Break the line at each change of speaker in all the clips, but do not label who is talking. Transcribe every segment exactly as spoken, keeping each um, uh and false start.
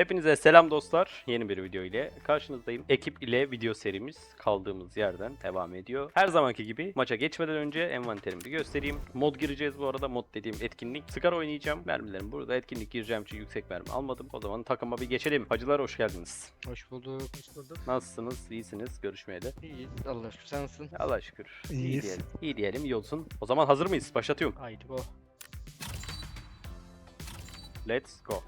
Hepinize selam dostlar. Yeni bir video ile karşınızdayım. Ekip ile video serimiz kaldığımız yerden devam ediyor. Her zamanki gibi maça geçmeden önce envanterimi bir göstereyim. Mod gireceğiz bu arada. Mod dediğim etkinlik. Sigara oynayacağım. Mermilerim burada. Etkinlik gireceğim için yüksek mermi almadım. O zaman takıma bir geçelim. Hacılar hoş geldiniz.
Hoş bulduk. Hoş bulduk.
Nasılsınız? İyisiniz? Görüşmeyeli.
İyiyiz. Allah şükür. Sen nasılsın?
Allah şükür. İyi
İyiyiz.
diyelim. İyi diyelim. İyi olsun. O zaman hazır mıyız? Başlatıyorum.
Haydi go.
Let's go.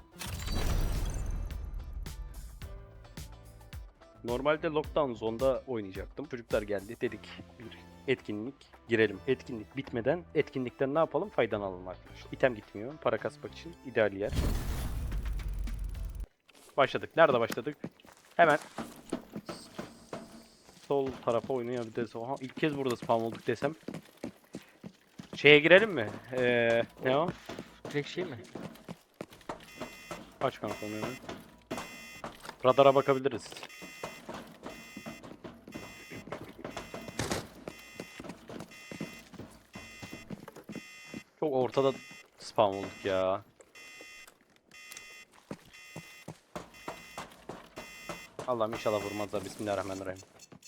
Normalde lockdown zone'da oynayacaktım. Çocuklar geldi. Dedik bir etkinlik girelim. Etkinlik bitmeden etkinlikten ne yapalım? Faydalanalım arkadaşlar. İtem gitmiyor. Para kasmak için ideal yer. Başladık. Nerede başladık? Hemen sol tarafa oynayabiliriz. Oha, ilk kez burada spam olduk desem. Şeye girelim mi? Ee, ne o?
Direkt şey mi?
Aç kanka onu hemen. Radara bakabiliriz. Çok ortada spam olduk ya. Allah'ım inşallah vurmazlar. Bismillahirrahmanirrahim.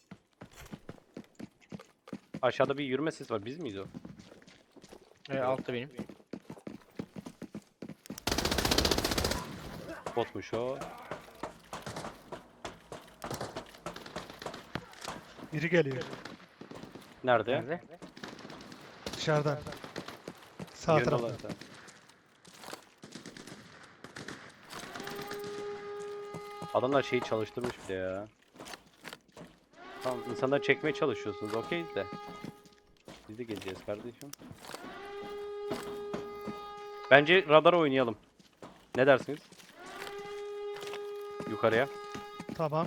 Aşağıda bir yürüme sesi var. Biz miyiz o?
Ee, altta benim.
Botmuş o.
Biri geliyor
Nerede?
Nerede?
dışarıdan. Sağ
Yönü
tarafta.
olarak da. Adamlar şeyi çalıştırmış bile ya. Tamam, insanları çekmeye çalışıyorsunuz. Okeyiz de. Biz de geleceğiz kardeşim. Bence radara oynayalım. Ne dersiniz? Yukarıya.
Tamam.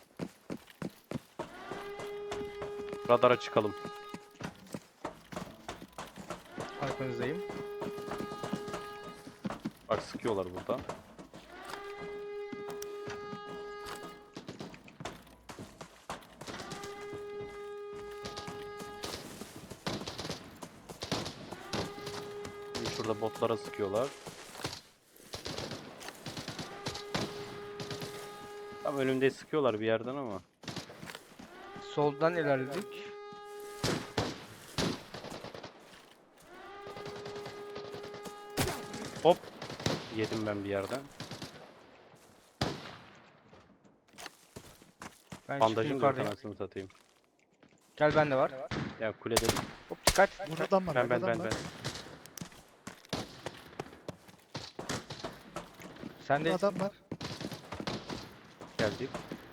Radara çıkalım.
Arkanızdayım.
Bak sıkıyorlar burada. Şimdi şurada botlara sıkıyorlar. Tam önümde sıkıyorlar bir yerden ama.
Soldan ilerledik.
Hop. Yedim ben bir yerden.
Ben çıktım
Bandajım da yok,
yukarıdayım.
anasını satayım.
Gel bende var.
Ya kulede.
Hop dikkat.
Burada adam var.
Ben ben
burada
ben
adam
ben.
var.
Sen de
Burada adam var.
Geldik.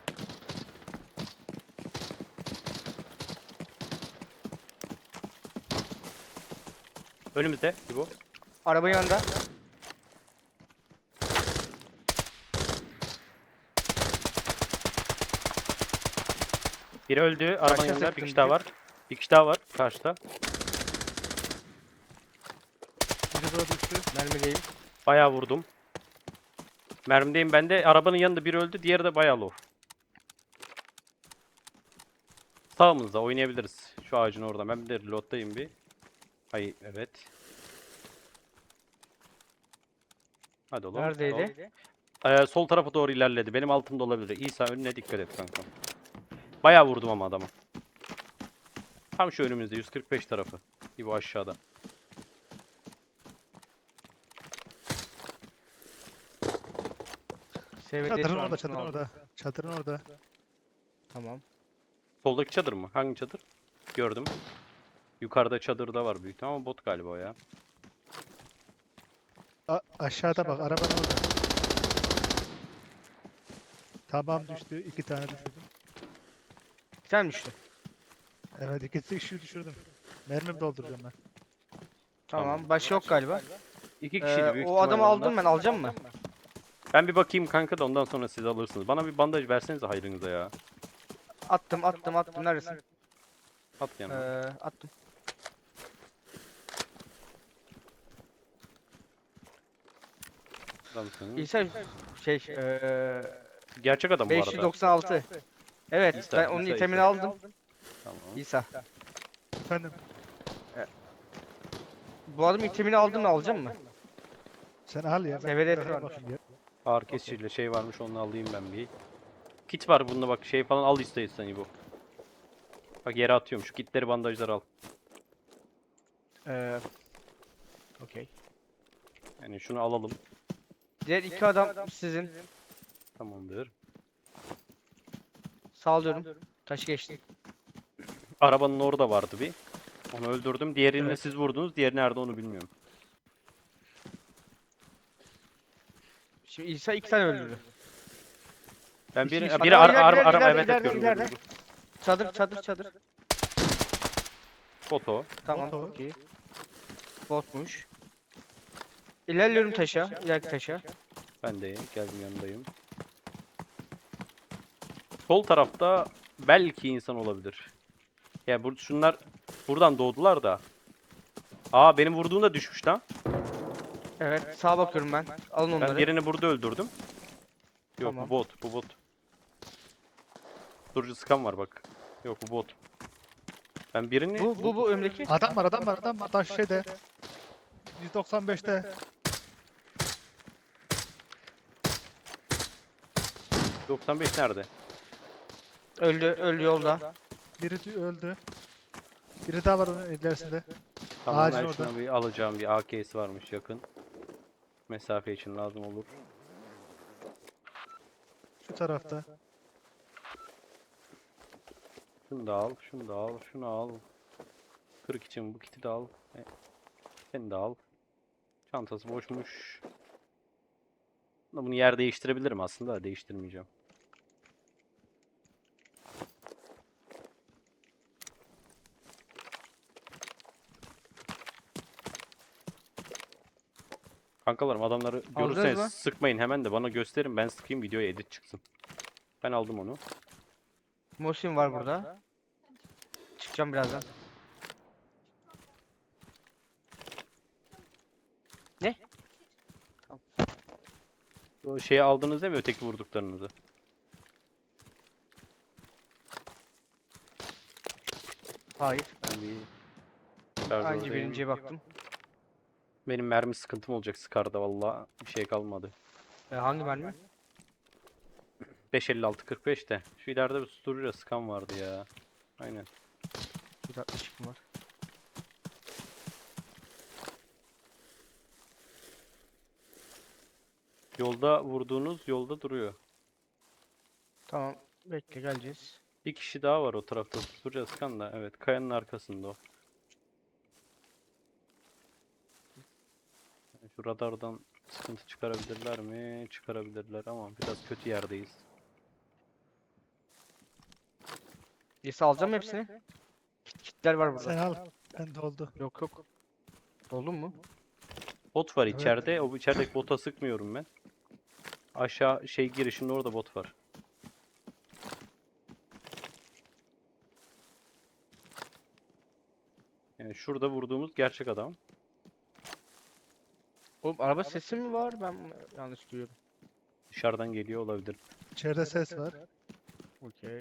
Önümüzde bu.
araba yanında.
Biri öldü. Arabanın
Başka
yanında bir
sıktın,
kişi daha
bir-
var. Bir kişi daha var karşıda.
Biri burada düştü.
Mermideyim.
Bayağı vurdum. Mermideyim ben de. Arabanın yanında biri öldü. Diğeri de bayağı low. Sağımızda oynayabiliriz. Şu ağacın orada. Ben bir de reload'dayım bir. Hayır evet. Hadi oğlum.
Neredeydi?
Ee, sol tarafa doğru ilerledi. Benim altımda olabilir. İsa önüne dikkat et kanka. Bayağı vurdum ama adama. Tam şu önümüzde yüz kırk beş tarafı. İbo aşağıda.
S V D
Çadırın
şu an
orada,
şunu
çadırın
aldım.
orada. Çadırın orada.
Tamam.
Soldaki çadır mı? Hangi çadır? Gördüm. Yukarıda çadırda var büyük ihtimal ama bot galiba o ya.
A aşağıda bak, arabanın orada. Tamam düştü. iki tane düşürdüm.
Sen mi düştün?
Evet, ikisi işi düşürdüm. Mermi dolduracağım ben.
Tamam.
Tamam.
Başka yok galiba.
İki kişiydi
Ee,
büyük
o
ihtimal
adamı
onlar.
aldım ben. Alacağım mı?
Ben bir bakayım kanka da ondan sonra siz alırsınız. Bana bir bandaj versenize hayrınıza ya.
Attım attım attım. Neredesin?
At
Ee,
yanına.
attım.
Adamsın.
İsa şey ee,
Gerçek adam bu
beş
arada.
yüz doksan altı. Evet,
İsa,
ben onun
İsa,
itemini
İsa.
aldım.
Tamam.
İsa.
Efendim,
Bu adamın itemini aldım mı alacağım mı?
sen al ya. ben
S V D
bırakayım
var.
bakayım ya.
Ağır kesiciyle şey varmış, onu alayım ben bir. Kit var bunda bak, şey falan al istiyorsan bu. Bak yere atıyorum, şu kitleri, bandajları al.
Ee, Okey.
Yani şunu alalım.
Diğer iki adam sizin.
Tamamdır.
Sağlıyorum. Taşı geçti.
Arabanın orada vardı bir. Onu öldürdüm. Diğerini de
Evet.
siz vurdunuz. Diğeri nerede onu bilmiyorum.
Şimdi İsa iki tane öldürdü.
Ben
İki-
bir
iki-
biri
Adam
ara, ara,
ileride,
araba
ileride,
evet
ileride,
yapıyorum.
ileride.
gördüm.
Çadır çadır çadır.
Foto.
Tamam
Foto.
okey. Botmuş. İlerliyorum taşa. İleriki taşa.
Ben de geldim, yanındayım. Sol tarafta belki insan olabilir. Ya bu şunlar buradan doğdular da. Aa, benim vurduğumda düşmüş lan.
Evet sağa bakıyorum ben. Alın onları.
Ben birini burada öldürdüm. Yok
Tamam.
bu bot, bu bot. Durucu sıkan var bak. Yok bu bot. Ben birini
Bu bu bu önümdeki.
Adam var adam var adam var. Taş şeyde. yüz doksan beşte.
doksan beş nerede?
Öldü öldü yolda.
Biri tü- öldü. Biri daha var onun ilerisinde.
Tamam,
Ağacın
ben
orada.
şuna bir alacağım, bir A K'si varmış yakın. Mesafe için lazım olur.
Şu tarafta.
Şunu da al, şunu da al, şunu al. Kırık için bu kiti de al. E, Seni de al. Çantası boşmuş. Bunu yer değiştirebilirim aslında da değiştirmeyeceğim. Kankalarım, adamları
Aldınız
görürseniz
mı?
sıkmayın hemen de bana gösterin, ben sıkayım, videoya edit çıksın. Ben aldım onu.
Mosin var burada. Çıkacağım birazdan. Ne?
O şeyi aldınız değil mi, öteki vurduklarınızı?
Hayır.
Ben bir
Aynı
şarjördeyim.
birinciye baktım.
Benim mermi sıkıntım olacak Scar'da valla, bir şey kalmadı.
E, hangi mermi?
beş elli altı kırk beş de. Şu ileride bir susturucuya sıkan vardı ya. Aynen.
Bir dakika çıkım var.
Yolda vurduğunuz yolda duruyor.
Tamam. Bekle geleceğiz.
Bir kişi daha var o tarafta susturucuya sıkan da. Evet, kayanın arkasında o. Şu radardan sıkıntı çıkarabilirler mi? Çıkarabilirler ama biraz kötü yerdeyiz.
İsa alacağım hepsini. Kit, kitler var burada.
Sen al. Ben de oldu.
Yok yok. Oldu mu?
Bot var
Evet.
içeride. O içerideki bota sıkmıyorum ben. Aşağı şey girişinde orada bot var. Yani şurada vurduğumuz gerçek adam.
Oğlum araba sesi mi var? Ben mi yanlış duyuyorum.
Dışarıdan geliyor olabilir.
İçeride ses var.
Okey.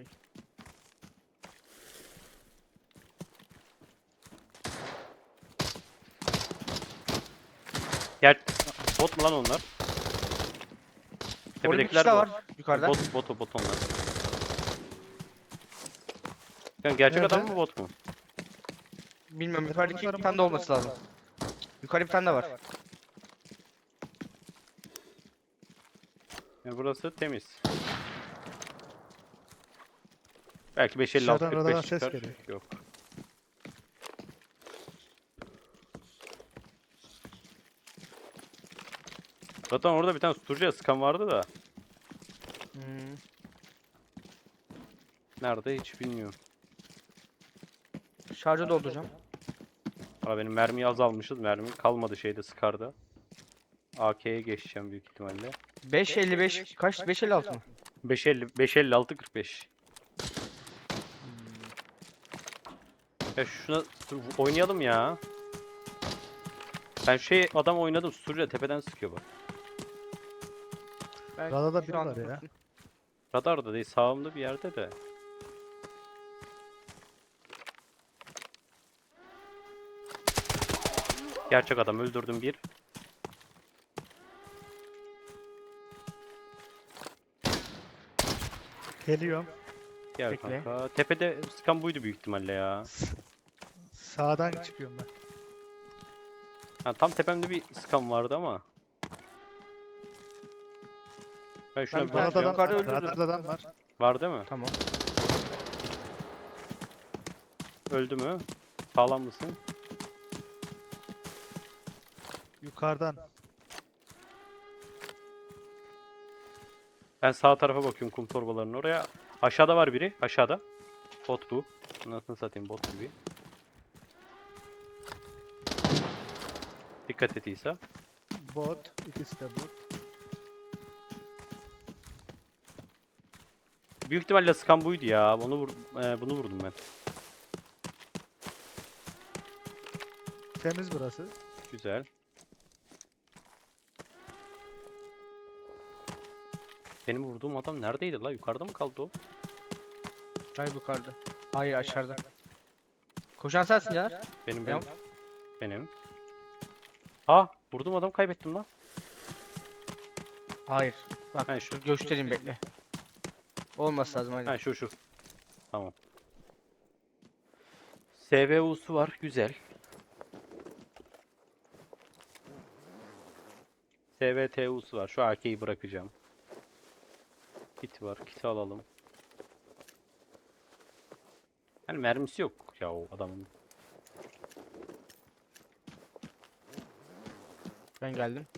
Gel. Bot mu lan onlar?
Orada bir
Tepedekiler
kişi daha
bot.
var. Yukarıda.
Bot, bot, o bot onlar. Yani gerçek
Nerede?
adam mı bot mu?
Bilmiyorum yukarıdaki bir tane de olması lazım. Yukarı bir tane de var.
Yani burası temiz. Belki beş elli altı
Dışarıdan
kırk beş
radardan ses
çıkar.
geliyor.
Yok. Zaten orada bir tane susturucuya sıkan vardı da.
Hmm.
Nerede hiç bilmiyorum.
Şarjı dolduracağım.
Aa, benim mermiyi azalmışız. Mermi kalmadı şeyde, Scar'da. A K'ye geçeceğim büyük ihtimalle.
beş elli beş kaç? beş elli altı mı?
beş elli beş elli altı kırk beş. Ya şuna dur, oynayalım ya. Ben şey adam oynadım, susturucuya tepeden sıkıyor bak.
Ben
Radada
şu
biri
an-
var ya.
Radarda değil, sağımda bir yerde de. Gerçek adam, öldürdüm bir.
Geliyorum.
Gel
Bekle.
kanka. Tepede sıkan buydu büyük ihtimalle ya.
Sağdan çıkıyorum ben.
Ha, tam tepemde bir sıkan vardı ama. Ben şuna
Ben
bir
bir tane
bakıyorum.
yukarıda
Radarda,
öldürdüm.
radarda adam var.
Var değil mi?
Tamam.
Öldü mü? Sağlam mısın?
Yukarıdan.
Ben sağ tarafa bakıyorum kum torbalarının oraya. Aşağıda var biri. Aşağıda. Bot bu. Nasıl satayım bot gibi. Dikkat et İsa.
Bot. İkisi de bot.
Büyük ihtimalle sıkan buydu ya. Onu vur e, bunu vurdum ben.
Temiz burası.
Güzel. Benim vurduğum adam neredeydi la? Yukarıda mı kaldı o?
Hayır yukarıda. Hayır aşağıda. Koşan sensin ya.
Benim benim.
Tamam.
Benim. Ha, vurdum adam kaybettim lan.
Hayır. Bak
Ha, şu.
dur göstereyim bekle. Olması lazım aynen.
Ha şu şu. Tamam. S V U'su var. Güzel. S V T U'su var. Şu A K'yi bırakacağım. Kit var. Kit'i alalım. Hani mermisi yok ya o adamın.
Ben geldim.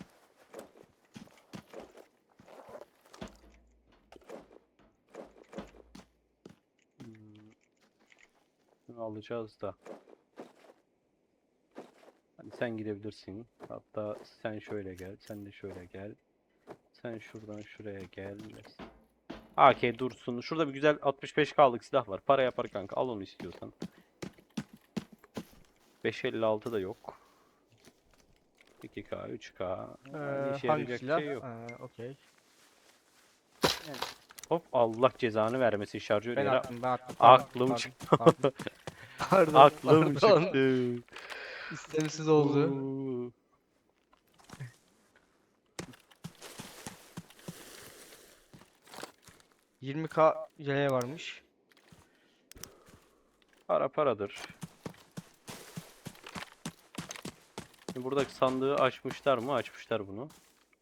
Hmm. Bunu alacağız da. Hani sen gidebilirsin. Hatta sen şöyle gel. Sen de şöyle gel. Sen şuradan şuraya gel. A K dursun. Şurada bir güzel altmış beş K'lık silah var. Para yapar kanka. Al onu istiyorsan. beş elli altı da yok. iki K, üç K. Yani
Ee,
işe
hangi
yarayacak
silah?
şey yok.
Ee, okey.
Hop Allah cezanı vermesin şarjör
Ben
yere.
attım ben attım. Pardon,
Aklım
pardon,
çıktı.
Pardon. Pardon,
Aklım
pardon.
çıktı.
İstemsiz oldu.
Uuu.
yirmi K yeleğe varmış.
Para paradır. Şimdi buradaki sandığı açmışlar mı? Açmışlar bunu.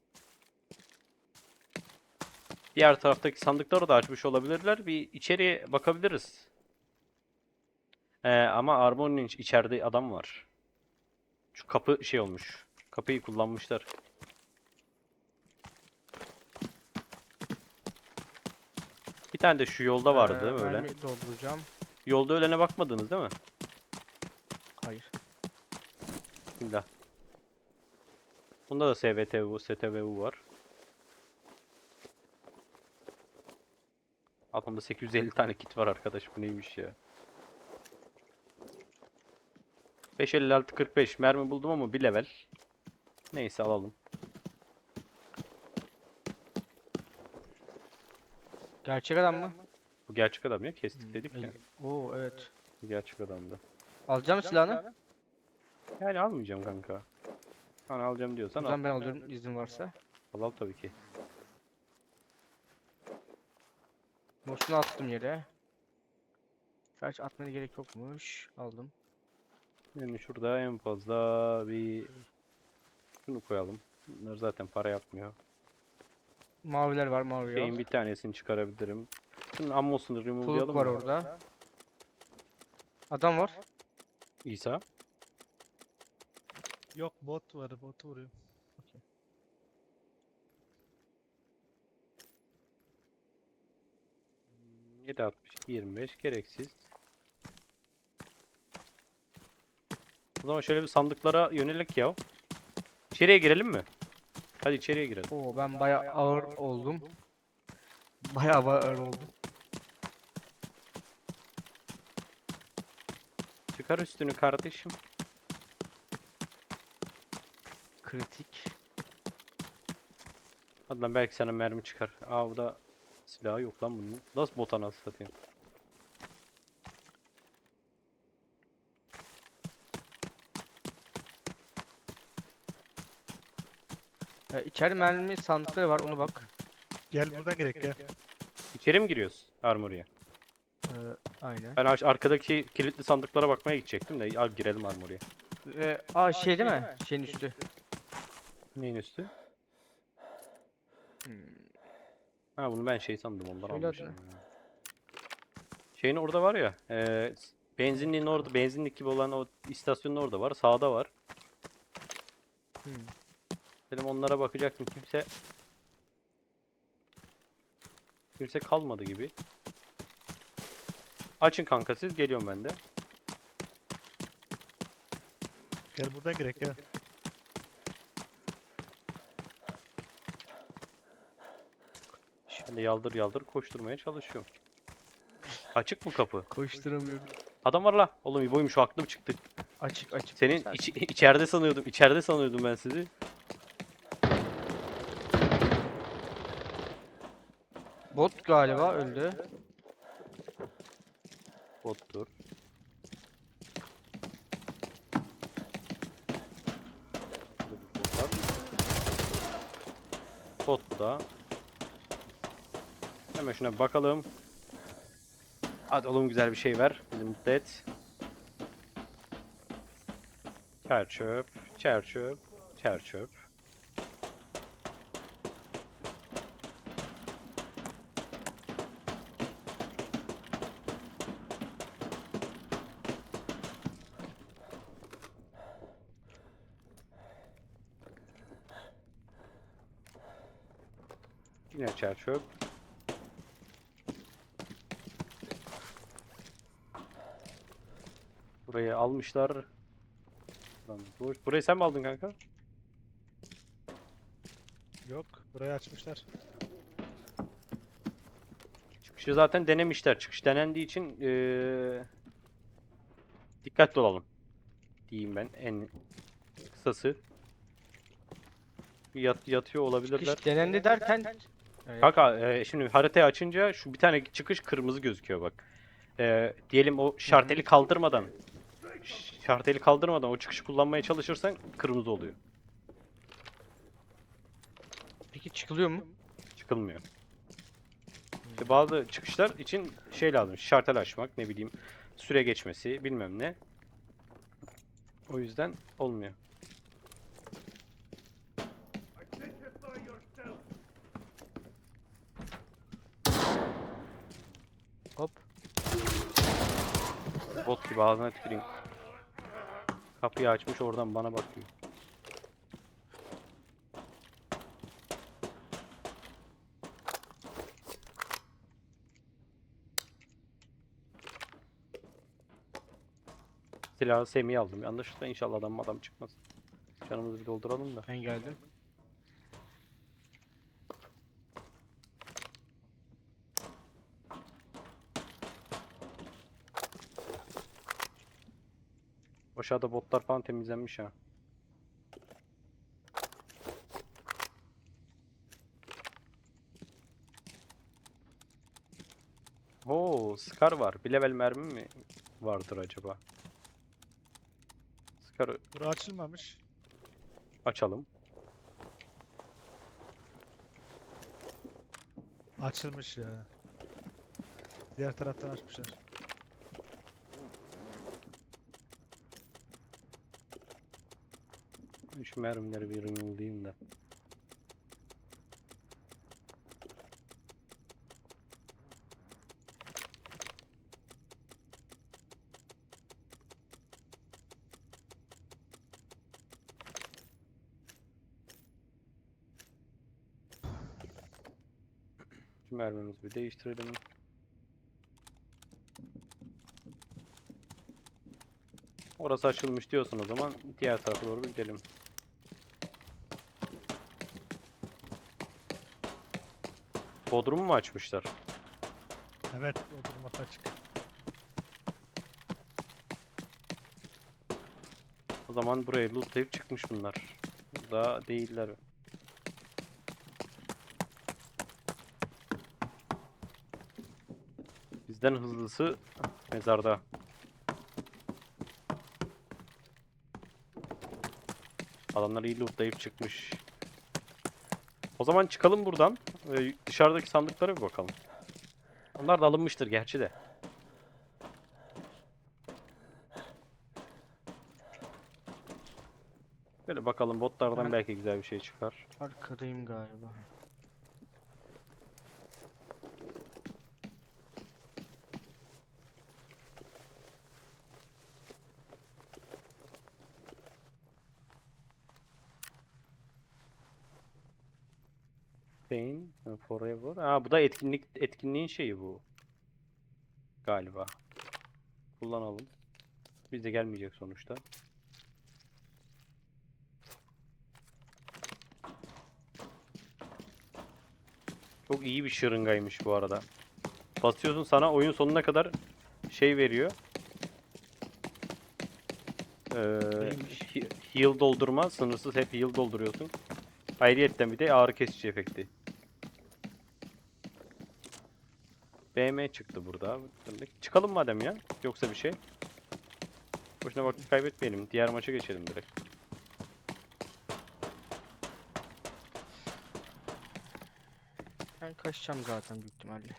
Diğer taraftaki sandıkları da açmış olabilirler. Bir içeriye bakabiliriz. Ee, ama Armor'un iç- içeride adam var. Şu kapı şey olmuş. Kapıyı kullanmışlar. Bir tane de şu yolda vardı değil mi
Ee,
öyle?
mermi dolduracağım.
Yolda ölene bakmadınız değil mi?
Hayır.
Bismillah. Bunda da S V T U, S T V U var. Aklımda sekiz yüz elli tane kit var arkadaş. Bu neymiş ya? beş elli altı kırk beş mermi buldum ama bir level. Neyse alalım.
Gerçek adam mı?
Bu gerçek adam ya. Kestik dedik ya.
El- Oo evet.
Bu gerçek adamdı.
Alacağım silahını.
Yani almayacağım kanka. Hani alacağım diyorsan al.
Buradan ben alıyorum izin varsa.
Al al tabii ki.
Boşuna attım yere. Gerçi atmaya gerek yokmuş. Aldım.
Yani şurada en fazla bir şunu koyalım. Bunlar zaten para yapmıyor.
Maviler var mavi
Şeyin
yok.
bir tanesini çıkarabilirim. Şunun ammosunu
Tuluk
remove'layalım
var
mı?
orada. Adam var.
İsa.
Yok bot var. Botu vuruyor.
yedi altmış yirmi beş gereksiz. O zaman şöyle bir sandıklara yönelik ya. İçeriye girelim mi? Hadi içeriye girelim.
Oo ben bayağı ağır oldum. Bayağı ağır oldum.
Çıkar üstünü kardeşim.
Kritik.
Hadi lan belki sana mermi çıkar. Aa bu da silahı yok lan bunun. Nasıl bota nasıl satayım?
Ee, içeri mermi sandıkları var onu bak.
Gel buradan gerek gel.
İçeri mi giriyoruz Armory'e?
Ee, aynen.
Ben aş- arkadaki kilitli sandıklara bakmaya gidecektim de al girelim Armory'e.
Ee, aa şey değil mi? Şeyin üstü.
Neyin üstü?
Hmm.
Ha bunu ben şey sandım ondan
Söyle
almışım.
adını.
ya. Şeyin orada var ya. E, benzinliğin orada, benzinlik gibi olan o istasyonun orada var. Sağda var.
Hmm.
Dedim onlara bakacaktım. Kimse kimse kalmadı gibi. Açın kanka siz. Geliyorum ben de.
Gel buradan girek gel.
Şimdi yaldır yaldır koşturmaya çalışıyorum. Açık mı kapı?
Koşturamıyorum.
Adam var la. Oğlum İbo'ymuş o aklım çıktı.
Açık açık.
Senin
Sen-
iç- içeride sanıyordum. İçeride sanıyordum ben sizi.
Bot galiba öldü.
Bottur. Bot da. Hemen şuna bir bakalım. Hadi oğlum güzel bir şey ver. Bizi mutlu et. Çer çöp. Çer çöp. Çer çöp. Yine çer çöp. Burayı almışlar. Lan boş. Burayı sen mi aldın kanka?
Yok. Burayı açmışlar.
Çıkışı zaten denemişler. Çıkış denendiği için eee, dikkatli olalım. Diyeyim ben en kısası. Yat, yatıyor olabilirler.
Çıkış denendi derken. Evet.
Kanka e, şimdi haritayı açınca şu bir tane çıkış kırmızı gözüküyor bak. E, diyelim o şarteli kaldırmadan şarteli kaldırmadan o çıkışı kullanmaya çalışırsan kırmızı oluyor.
Peki çıkılıyor mu?
Çıkılmıyor. İşte bazı çıkışlar için şey lazım. Şartel açmak, ne bileyim, süre geçmesi, bilmem ne. O yüzden olmuyor.
Hop.
Bot gibi ağzına tüküreyim. Kapıyı açmış oradan bana bakıyor. Silahı Semih'e aldım. Yanlışlıkla inşallah adam adam çıkmaz. Canımızı bir dolduralım da.
Ben geldim.
Aşağıda botlar falan temizlenmiş ha. Oo, Scar var. Bir level mermi mi vardır acaba? Scar'ı
Bura açılmamış.
açalım.
Açılmış ya. Diğer taraftan açmışlar.
Şu mermileri bir yollayayım da. Şu mermimizi bir değiştirelim. Orası açılmış diyorsun o zaman diğer tarafa doğru bir gidelim. Bodrum mu açmışlar?
Evet. Oturmak açık.
O zaman burayı lootlayıp çıkmış bunlar. Burada değiller. Bizden hızlısı mezarda. Adamlar iyi lootlayıp çıkmış. O zaman çıkalım buradan. Ee, dışarıdaki sandıklara bir bakalım. Onlar da alınmıştır gerçi de. Böyle bakalım botlardan
Ben-
belki güzel bir şey çıkar.
Arkadayım galiba.
Pain Forever. Aa, bu da etkinlik etkinliğin şeyi bu. Galiba. Kullanalım. Bize gelmeyecek sonuçta. Çok iyi bir şırıngaymış bu arada. Basıyorsun, sana oyun sonuna kadar şey veriyor. Ee,
Neymiş?
he- heal doldurma. Sınırsız hep heal dolduruyorsun. Ayrıyetten bir de ağrı kesici efekti. B M çıktı burada. Çıkalım madem ya. Yoksa bir şey. Boşuna vakit kaybetmeyelim. Diğer maça geçelim direkt.
Ben kaçacağım zaten büyük ihtimalle.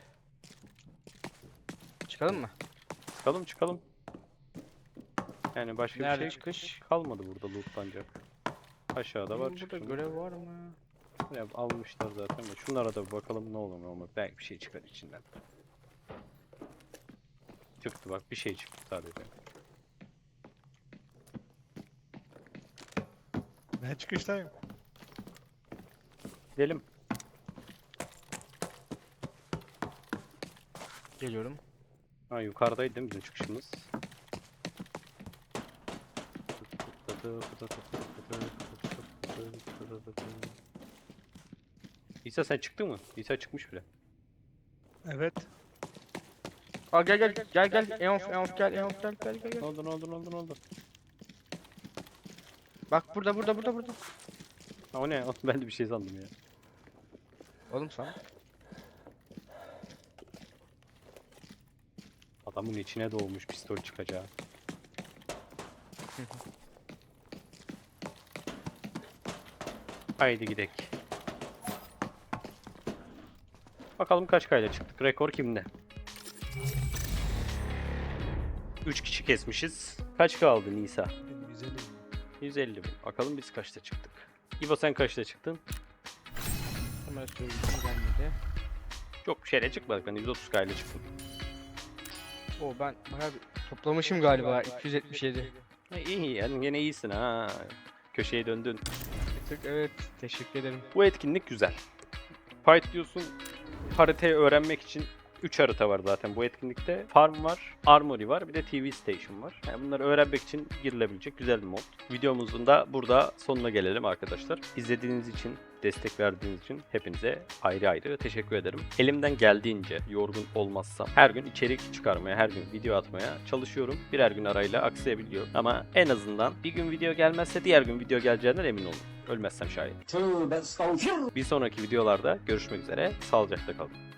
Çıkalım mı?
Çıkalım çıkalım. Yani başka
Nerede
bir şey
çıkış?
kalmadı burada lootlanacak. Aşağıda var
Burada
çıkışında.
görev var mı?
Ya, almışlar zaten de. Şunlara da bir bakalım ne olur ne olmaz. Belki bir şey çıkar içinden. Çıktı bak, bir şey çıktı sadece.
Ben çıkıştayım.
Gidelim.
Geliyorum.
Ha, yukarıdaydı değil mi bizim çıkışımız? İsa sen çıktın mı? İsa çıkmış bile.
Evet.
Aa gel gel gel gel. Eonf Eonf gel Eonf gel gel gel.
Ne
gel.
oldu ne oldu ne oldu ne oldu?
Bak burada burada burada burada.
Ha, o ne? Ben de bir şey sandım ya.
Oğlum sen.
Adamın içine doğmuş pistol çıkacağı. Haydi gidek. Bakalım kaç kayla çıktık. Rekor kimde? üç kişi kesmişiz. Kaç kaldı Nisa?
Benim güzelim.
yüz elli bin. Bakalım biz kaçta çıktık. İbo sen kaçta çıktın?
Hemen söyleyeyim gelmedi.
Çok bir şeyle çıkmadık. Ben yüz otuz kayla çıktım.
Oo ben bayağı bir toplamışım galiba iki yüz yetmiş yedi.
Ha, iyi yani yine iyisin ha. Köşeye döndün.
Bir tık evet teşekkür ederim.
Bu etkinlik güzel. Fight diyorsun, haritayı öğrenmek için üç harita var zaten bu etkinlikte. Farm var, Armory var, bir de T V Station var. Yani bunları öğrenmek için girilebilecek güzel bir mod. Videomuzun da burada sonuna gelelim arkadaşlar. İzlediğiniz için, destek verdiğiniz için hepinize ayrı ayrı teşekkür ederim. Elimden geldiğince yorgun olmazsam her gün içerik çıkarmaya, her gün video atmaya çalışıyorum. Birer gün arayla aksayabiliyor. Ama en azından bir gün video gelmezse diğer gün video geleceğinden emin olun. Ölmezsem şayet. Bir sonraki videolarda görüşmek üzere. Sağlıcakla kalın.